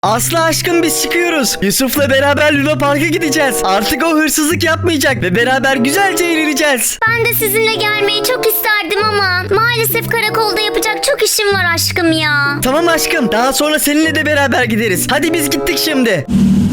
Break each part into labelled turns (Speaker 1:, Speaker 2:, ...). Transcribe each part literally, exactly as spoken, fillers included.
Speaker 1: Aslı aşkım biz çıkıyoruz. Yusuf'la beraber Luna Park'a gideceğiz. Artık o hırsızlık yapmayacak ve beraber güzelce eğleneceğiz.
Speaker 2: Ben de sizinle gelmeyi çok isterdim ama maalesef karakolda yapacak çok işim var aşkım ya.
Speaker 1: Tamam aşkım, daha sonra seninle de beraber gideriz. Hadi biz gittik şimdi.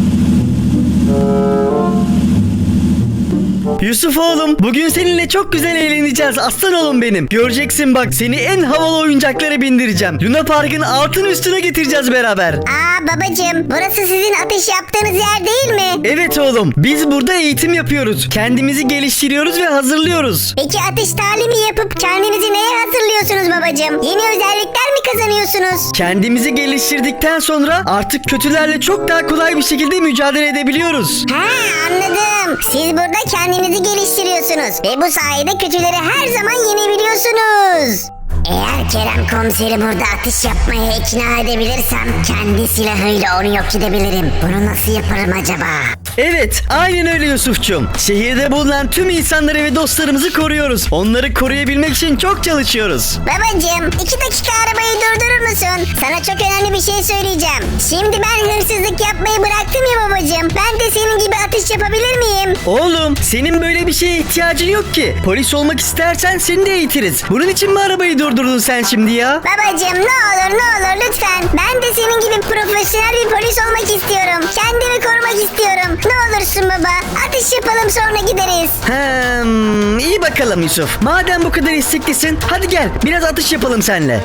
Speaker 1: Yusuf oğlum, bugün seninle çok güzel eğleneceğiz aslan oğlum benim. Göreceksin bak, seni en havalı oyuncaklara bindireceğim. Luna Park'ın altın üstüne getireceğiz beraber.
Speaker 3: Aa babacığım, burası sizin atış yaptığınız yer değil mi?
Speaker 1: Evet oğlum, biz burada eğitim yapıyoruz. Kendimizi geliştiriyoruz ve hazırlıyoruz.
Speaker 3: Peki atış talimi yapıp kendinizi neye hazırlıyorsunuz babacığım? Yeni özellikler mi kazanıyorsunuz?
Speaker 1: Kendimizi geliştirdikten sonra artık kötülerle çok daha kolay bir şekilde mücadele edebiliyoruz.
Speaker 3: Ha anladım. Siz burada kendinizi geliştiriyorsunuz ve bu sayede kötüleri her zaman yenebiliyorsunuz. Eğer Kerem komiseri burada atış yapmaya ikna edebilirsem kendi silahıyla onu yok edebilirim. Bunu nasıl yaparım acaba?
Speaker 1: Evet, aynen öyle Yusuf'cum. Şehirde bulunan tüm insanları ve dostlarımızı koruyoruz. Onları koruyabilmek için çok çalışıyoruz.
Speaker 3: Babacığım iki dakika arabayı durdurur musun? Sana çok önemli bir şey söyleyeceğim. Şimdi ben hırsızlık yapmayı bıraktım ya babacığım. Ben de senin gibi atış yapabilir miyim?
Speaker 1: Oğlum, senin böyle bir şeye ihtiyacın yok ki. Polis olmak istersen seni de eğitiriz. Bunun için mi arabayı durdurdun sen şimdi ya?
Speaker 3: Babacığım ne olur ne olur lütfen. Ben de senin gibi profesyonel bir polis olmak istiyorum. Kendimi korumak istiyorum. Ne olursun baba. Atış yapalım sonra gideriz.
Speaker 1: Hmm, iyi bakalım Yusuf. Madem bu kadar isteklisin, hadi gel biraz atış yapalım seninle.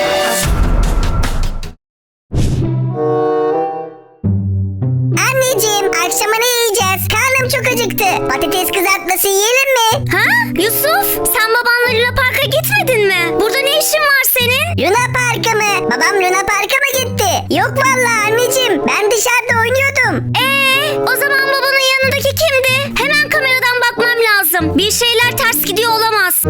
Speaker 3: Anneciğim akşama ne yiyeceğiz? Karnım çok acıktı. Patates kızartması yiyelim mi?
Speaker 2: Ha? Yusuf, sen babanla Luna Park'a gitmedin mi? Burada ne işin var senin?
Speaker 3: Luna Park'a mı? Babam Luna Park'a mı gitti? Yok vallahi anneciğim. Ben dışarıda oynuyordum.
Speaker 2: Ee, o zaman babanın yanındaki kimdi? Hemen kameradan bakmam lazım. Bir şeyler ters gidiyor olamaz.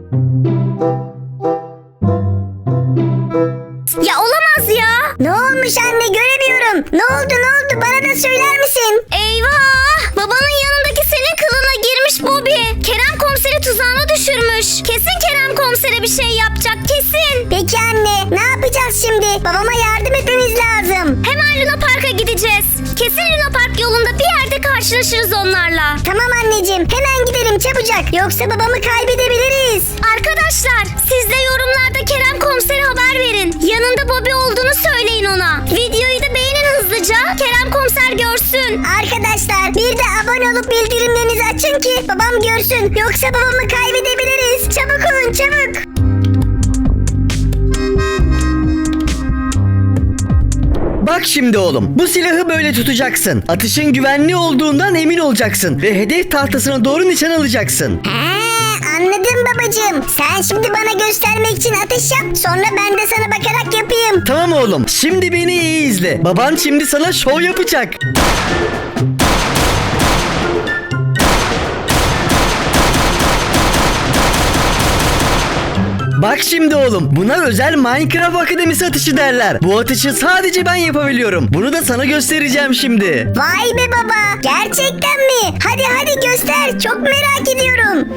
Speaker 2: Ya olamaz ya.
Speaker 3: Ne olmuş anne göremiyorum. Ne oldu ne oldu bana da söyler misin?
Speaker 2: Eyvah! Babanın yanındaki senin kılına girmiş Bobby. Kerem komiseri tuzağına düşürmüş. Kesin Kerem komisere bir şey yapacak, kesin.
Speaker 3: Peki anne ne yapacağız şimdi? Babama yardım etmemiz lazım.
Speaker 2: Hemen Luna Park'a gideceğiz. Kesin Luna Park yolunda bir yerde karşılaşırız onlarla.
Speaker 3: Tamam anneciğim hemen gidelim çabucak. Yoksa babamı kaybedebiliriz.
Speaker 2: Arkadaşlar, siz de yorumlarda Kerem komisere haber verin. Yanında Bobby olduğunu söyleyin ona. Videoyu da beğenin hızlıca. Kerem komiser görsün.
Speaker 3: Arkadaşlar bir de abone olup bildirimlerinizi açın ki babam görsün. Yoksa babamı kaybedebiliriz. Çabuk olun çabuk.
Speaker 1: Bak şimdi oğlum, bu silahı böyle tutacaksın. Atışın güvenli olduğundan emin olacaksın ve hedef tahtasına doğru nişan alacaksın.
Speaker 3: He, anladım babacığım. Sen şimdi bana göstermek için atış yap. Sonra ben de sana bakarak yapayım.
Speaker 1: Tamam oğlum, şimdi beni iyi izle. Baban şimdi sana şov yapacak. Bak şimdi oğlum, buna özel Minecraft Akademisi atışı derler. Bu atışı sadece ben yapabiliyorum. Bunu da sana göstereceğim şimdi.
Speaker 3: Vay be baba. Gerçekten mi? Hadi hadi göster. Çok merak ediyorum.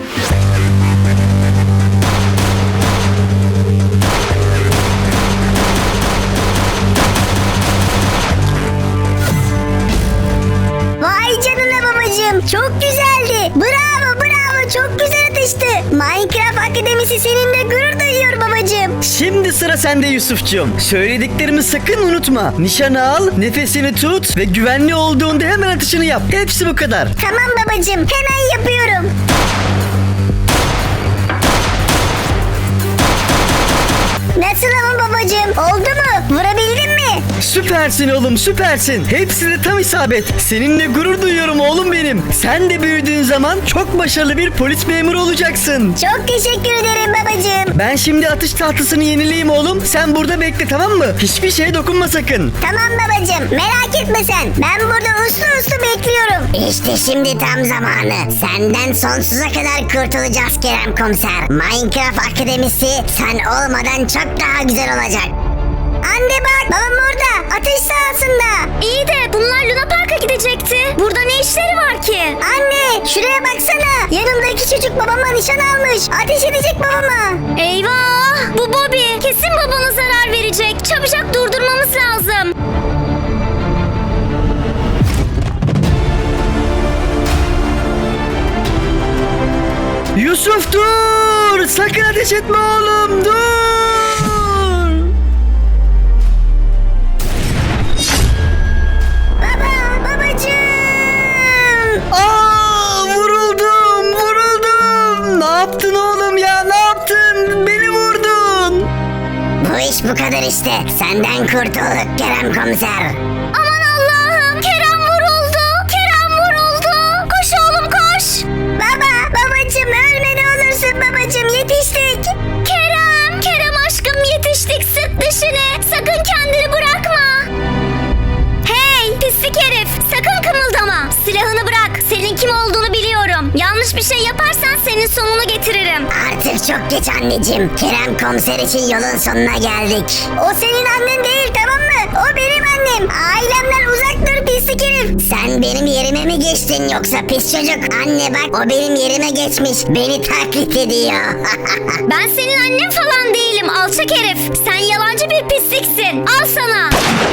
Speaker 3: Vay canına babacığım. Çok güzeldi. Bravo bravo. Çok güzel atıştı. Minecraft Akademisi seninle gurur duyuyor babacığım.
Speaker 1: Şimdi sıra sende Yusufcuğum. Söylediklerimi sakın unutma. Nişanı al, nefesini tut ve güvenli olduğunda hemen atışını yap. Hepsi bu kadar.
Speaker 3: Tamam babacığım. Hemen yapıyorum. Nasıl ama babacığım? Oldu mu? Vurabildin mi?
Speaker 1: Süpersin oğlum, süpersin. Hepsi de tam isabet. Seninle gurur duyuyorum oğlum benim. Sen de büyüdüğün zaman çok başarılı bir polis memuru olacaksın.
Speaker 3: Çok teşekkür ederim babacığım.
Speaker 1: Ben şimdi atış tahtasını yenileyim oğlum. Sen burada bekle, tamam mı? Hiçbir şeye dokunma sakın.
Speaker 3: Tamam babacığım. Merak etme sen. Ben burada uslu uslu bekliyorum. İşte şimdi tam zamanı. Senden sonsuza kadar kurtulacağız Kerem komiser. Minecraft Akademisi sen olmadan çok daha güzel olacak. Anne bak babam orada atış sahasında.
Speaker 2: İyi de bunlar Luna Park'a gidecekti. Burada ne işleri var ki?
Speaker 3: Anne şuraya baksana. Yanımdaki çocuk babama nişan almış. Ateş edecek babama.
Speaker 2: Eyvah! Bu Bobby kesin babana zarar verecek. Çabucak durdurmamız lazım.
Speaker 1: Yusuf dur. Sakın ateş etme oğlum, dur.
Speaker 3: Baba, babacığım.
Speaker 1: Aa, vuruldum, vuruldum. Ne yaptın oğlum ya, ne yaptın? Beni vurdun.
Speaker 3: Bu iş bu kadar işte. Senden kurtulduk Kerem komiser.
Speaker 2: Aman Allah'ım, Kerem vuruldu. Kerem vuruldu. Koş oğlum koş.
Speaker 3: Baba, babacığım ölme ne olursun babacığım, yetiştik.
Speaker 2: Kerem, Kerem aşkım yetiştik, sık dişini. Sakın kendini bırakma. Hey pislik herif, sakın kımıldama. Silahını bırak, senin kim olduğunu biliyorum. Yanlış bir şey yaparsan senin sonunu getiririm.
Speaker 3: Artık çok geç anneciğim. Kerem komiser için yolun sonuna geldik. O senin annen değil, tamam mı? O benim annem. Ailemden uzak dur pislik herif. Sen benim yerime mi geçtin yoksa pis çocuk? Anne bak, o benim yerime geçmiş. Beni taklit ediyor.
Speaker 2: Ben senin annen falan değilim alçak herif. Sen yalancı bir pisliksin. Al sana.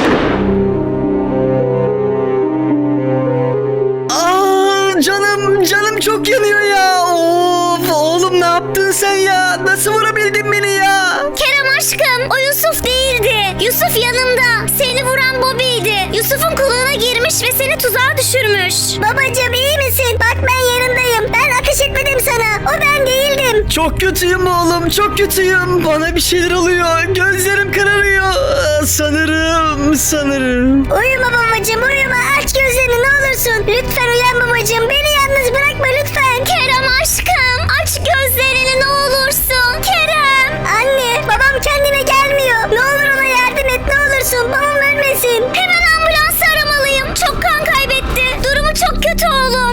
Speaker 1: Aa, canım, canım çok yanıyor ya. Of, oğlum ne yaptın sen ya? Nasıl vurabildin beni ya?
Speaker 2: Kerem aşkım, o Yusuf değildi. Yusuf yanımda. Seni vuran Bobby'ydi. Yusuf'un kılığına girmiş ve seni tuzağa düşürmüş.
Speaker 3: Babacığım iyi misin? Bak ben yanındayım. Ben ateş etmedim sana. O ben değildim.
Speaker 1: Çok kötüyüm oğlum, çok kötüyüm. Bana bir şeyler oluyor. Gözlerim kararıyor. Aa, Sanırım, sanırım.
Speaker 3: Uyuma babacığım, uyuma. Aç gözlerini ne olursun. Lütfen uyan babacığım. Beni yalnız bırakma lütfen.
Speaker 2: Kerem aşkım, aç gözlerini ne olursun. Kerem.
Speaker 3: Anne, babam kendine gelmiyor. Ne olur ona yardım et ne olursun. Babam ölmesin.
Speaker 2: Hemen ambulans aramalıyım. Çok kan kaybetti. Durumu çok kötü oğlum.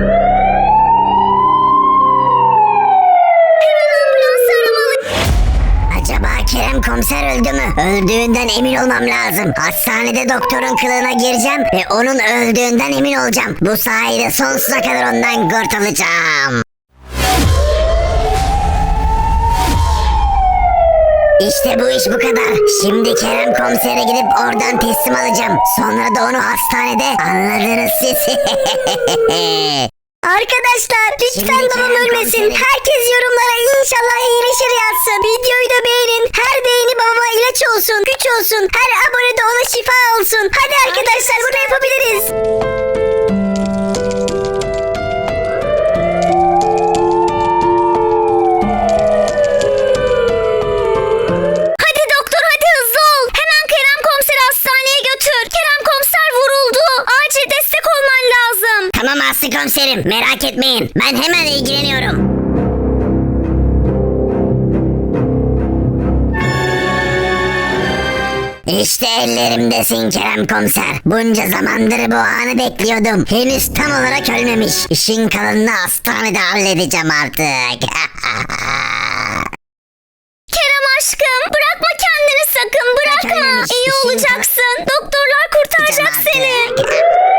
Speaker 2: Hemen ambulans aramalıyım.
Speaker 3: Acaba Kerem komiser öldü mü? Öldüğünden emin olmam lazım. Hastanede doktorun kılığına gireceğim ve onun öldüğünden emin olacağım. Bu sayede sonsuza kadar ondan kurtulacağım. İşte bu iş bu kadar. Şimdi Kerem komisere gidip oradan teslim alacağım. Sonra da onu hastanede anladınız siz. Arkadaşlar lütfen Şimdi babam Kerem ölmesin. komiserim. Herkes yorumlara inşallah iyileşir yazsın. Videoyu da beğenin. Her beğeni babama ilaç olsun, güç olsun. Her abone de ona şifa olsun. Hadi arkadaşlar bunu yapabiliriz.
Speaker 2: Hadi doktor hadi hızlı ol. Hemen Kerem komiseri hastaneye götür. Kerem komiser vuruldu. Acil destek olman lazım.
Speaker 3: Tamam Aslı komiserim, merak etmeyin. Ben hemen ilgileniyorum. İşte ellerimdesin Kerem komiser. Bunca zamandır bu anı bekliyordum. Henüz tam olarak ölmemiş. İşin kalanını hastanede halledeceğim artık.
Speaker 2: Kerem aşkım bırakma kendini sakın bırakma.
Speaker 3: ölmemiş,
Speaker 2: İyi
Speaker 3: işin
Speaker 2: olacaksın. Doktorlar kurtaracak
Speaker 3: Yapacağım
Speaker 2: seni.
Speaker 3: artık.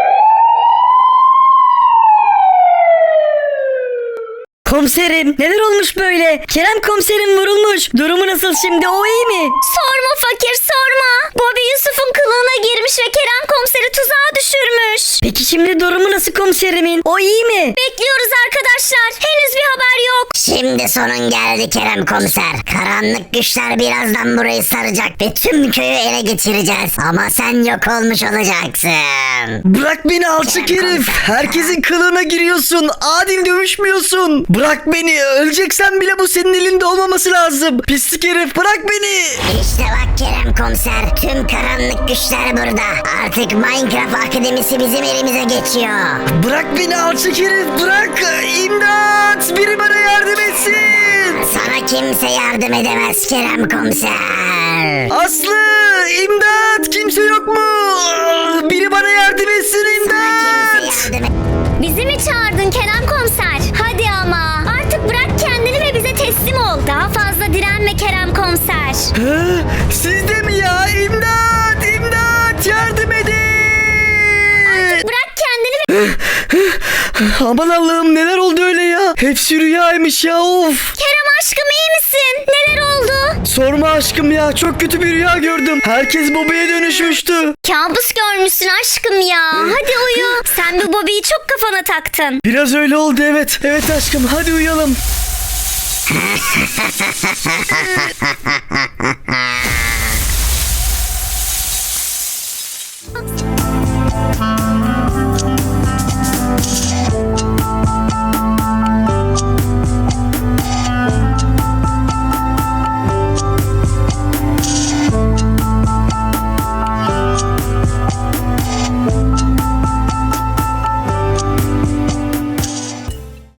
Speaker 1: Komiserim, neler olmuş böyle? Kerem komiserim vurulmuş. Durumu nasıl şimdi? O iyi mi?
Speaker 2: Sorma fakir sorma. Bobby Yusuf'un kılığına girmiş ve Kerem komiseri tuzağa düşürmüş.
Speaker 1: Peki şimdi durumu nasıl komiserimin? O iyi mi?
Speaker 2: Bekliyoruz arkadaşlar. Henüz bir haber yok.
Speaker 3: Şimdi sonun geldi Kerem komiser. Karanlık güçler birazdan burayı saracak ve tüm köyü ele geçireceğiz. Ama sen yok olmuş olacaksın.
Speaker 1: Bırak beni alçak
Speaker 3: Kerem
Speaker 1: herif.
Speaker 3: komiser.
Speaker 1: Herkesin kılığına giriyorsun. Adil dövüşmüyorsun. Bırak beni. Öleceksen bile bu senin elinde olmaması lazım. Pislik herif, bırak beni.
Speaker 3: İşte bak Kerem komiser, tüm karanlık güçler burada. Artık Minecraft Akademisi bizim elimize geçiyor.
Speaker 1: Bırak beni alçak herif, bırak. İmdat. Biri bana yardım etsin.
Speaker 3: Sana kimse yardım edemez Kerem komiser.
Speaker 1: Aslı, imdat. Kimse yok mu? Biri bana yardım etsin,
Speaker 3: Sana
Speaker 1: imdat.
Speaker 3: kimse yardım et.
Speaker 2: Bizi mi çağırdın Kerem komiser? Hadi ama. Artık bırak kendini ve bize teslim ol. Daha fazla direnme Kerem komiser.
Speaker 1: Hı? Siz de mi ya? İmdat, imdat. Yardım edin.
Speaker 2: Bırak kendini ve...
Speaker 1: Aman Allah'ım, neler oldu öyle ya? Hepsi rüyaymış ya, of.
Speaker 2: Kerem aşkım iyi misin? Neler oldu?
Speaker 1: Sorma aşkım ya, çok kötü bir rüya gördüm. Herkes Bobby'ye dönüşmüştü.
Speaker 2: Kabus görmüşsün aşkım ya. Hadi uyu. Sen bu Bobby'yi çok kafana taktın.
Speaker 1: Biraz öyle oldu, evet. Evet aşkım, hadi uyuyalım.